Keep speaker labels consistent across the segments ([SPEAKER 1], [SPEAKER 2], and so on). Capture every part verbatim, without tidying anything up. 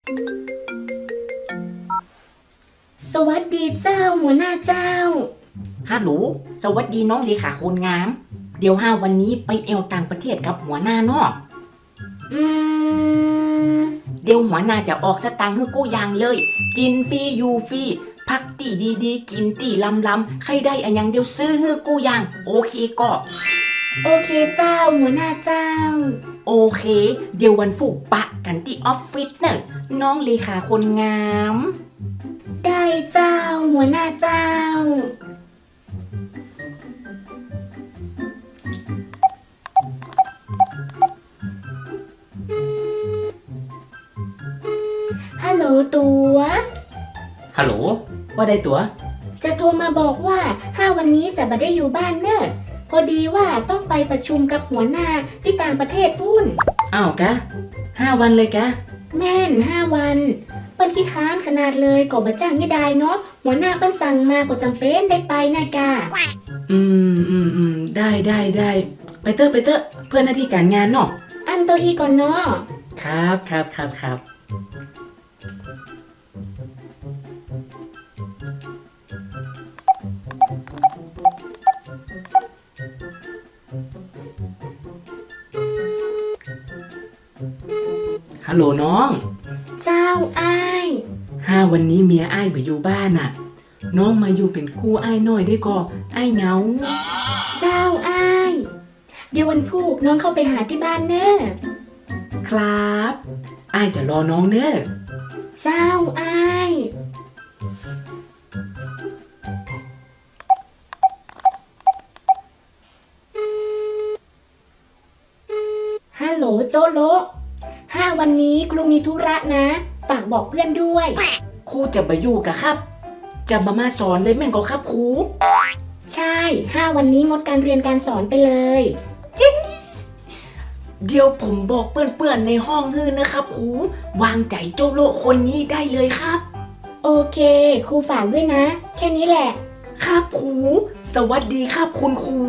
[SPEAKER 1] สวัสดีเจ้าหัวหน้าเจ้า
[SPEAKER 2] ฮัลโหลสวัสดีน้องเลขาคนงาม เดี๋ยวห้าวันนี้ไปเอวต่างประเทศกับหัวหน้าเนาะอืมเดี๋ยวหัวหน้าจะออกสตางค์ให้กู้อย่างเลย กินฟรีอยู่ฟรีพักตีดีๆกินตีลำลำใครได้อันยังเดี๋ยวซื้อให้กู้อย่างโอเคก็
[SPEAKER 1] โอเคเจ้าหัวหน้าเจ้า
[SPEAKER 2] โอเค เดี๋ยววันพุธปะกันที่ออฟฟิศเนอะน้องเลขาคนงาม
[SPEAKER 1] ได้เจ้าหัวหน้าเจ้าฮัลโหลตัว
[SPEAKER 2] ฮัลโหลว่าได้ตัว
[SPEAKER 1] จะโทรมาบอกว่าห้าวันนี้จะไม่ได้อยู่บ้านเนอะพอดีว่าต้องไปประชุมกับหัวหน้าที่ต่างประเทศพุ่น
[SPEAKER 2] อ้าวกะห้าวันเลยกะ
[SPEAKER 1] แม่นห้าวันเปิ้นขี้ค้านขนาดเลยก็บ่จ้างไม่ได้เนาะหัวหน้าเปิ้นสั่งมาก็จำเป็นได้ไปนะกะ
[SPEAKER 2] อืมอืมอืมได้ได้ได้ไปเตอร์ไปเตอร์เพื่อนหน้าที่การงานเนาะ
[SPEAKER 1] อันตัวอีก่อนเนาะ
[SPEAKER 2] ครับครับครับครับฮัลโหลน้อง
[SPEAKER 1] เจ้าอ้าย
[SPEAKER 2] ห้าวันนี้เมียอ้ายไปอยู่บ้านน่ะน้องมาอยู่เป็นคู่อ้ายหน่อยได้ก่ออ้ายเหงา
[SPEAKER 1] เจ้าอ้ายเดี๋ยววันพุธน้องเข้าไปหาที่บ้านเนอะ
[SPEAKER 2] ครับอ้ายจะรอน้องเนอะ
[SPEAKER 1] เจ้าอ้ายฮัลโหลโจโลห้าวันนี้ครูมีธุระนะฝากบอกเพื่อนด้วย
[SPEAKER 2] ครูจะไปอยู่กะครับจะมามาสอนเลยแม่งก็ครับครู
[SPEAKER 1] ใช่ห้าวันนี้งดการเรียนการสอนไปเลย
[SPEAKER 2] yes! เดี๋ยวผมบอกเพื่อนๆในห้องฮื้อนะครับครูวางใจโจโลคนนี้ได้เลยครับ
[SPEAKER 1] โอเคครูฝากด้วยนะแค่นี้แหละ
[SPEAKER 2] ครับครูสวัสดีครับคุณครู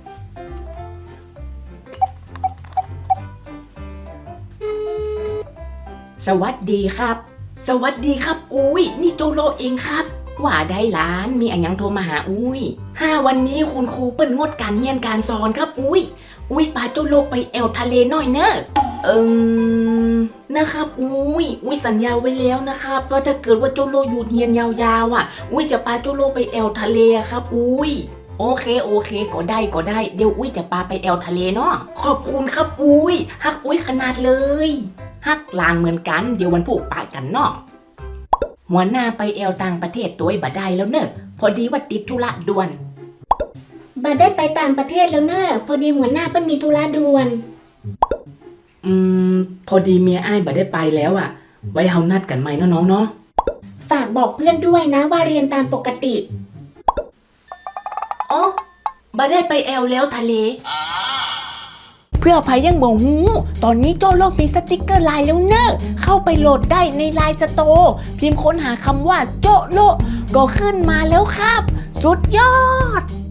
[SPEAKER 2] สวัสดีครับสวัสดีครับอุ้ยนี่โจโลเองครับว่าได้ล้านมีอันยังโทรมาหาอุ้ยห้าวันนี้คุณครูเปิ้นงดการเรียนการสอนครับอุ้ยอุ้ยพาโจโลไปแอวทะเลหน่อยเนอะเอิมนะครับอุ้ยอุ้ยสัญญาไว้แล้วนะครับว่าถ้าเกิดว่าโจโลอยู่เรียนยาวๆอ่ะอุ้ยจะพาโจโลไปแอวทะเลครับอุ้ยโอเคโอเคก็ได้ก็ได้เดี๋ยวอุ้ยจะพาไปแอวทะเลเนาะขอบคุณครับอุ้ยฮักอุ้ยขนาดเลยฮักลานเหมือนกันเดี๋ยววันพุธปะกันเนาะหัวหน้าไปแอวต่างประเทศตัวบัดได้แล้วเนอะพอดีว่าติดธุระด่วน
[SPEAKER 1] บัดได้ไปต่างประเทศแล้วเนอะพอดีหัวหน้าเปิ้นมีธุระด่วน
[SPEAKER 2] อืมพอดีเมียอ้ายบัดได้ไปแล้วอะไว้เฮานัดกันใหม่เนาะน้องเนาะ
[SPEAKER 1] ฝากบอกเพื่อนด้วยนะว่าเรียนตามปกติ
[SPEAKER 2] อ๋อบัดได้ไปแอวแล้วทะเลเพื่อภัยยังบ่ฮู้ตอนนี้โจโลมีสติกเกอร์ไลน์แล้วเนอะเข้าไปโหลดได้ในไลน์สโตร์พิมพ์ค้นหาคำว่าโจโลก็ขึ้นมาแล้วครับสุดยอด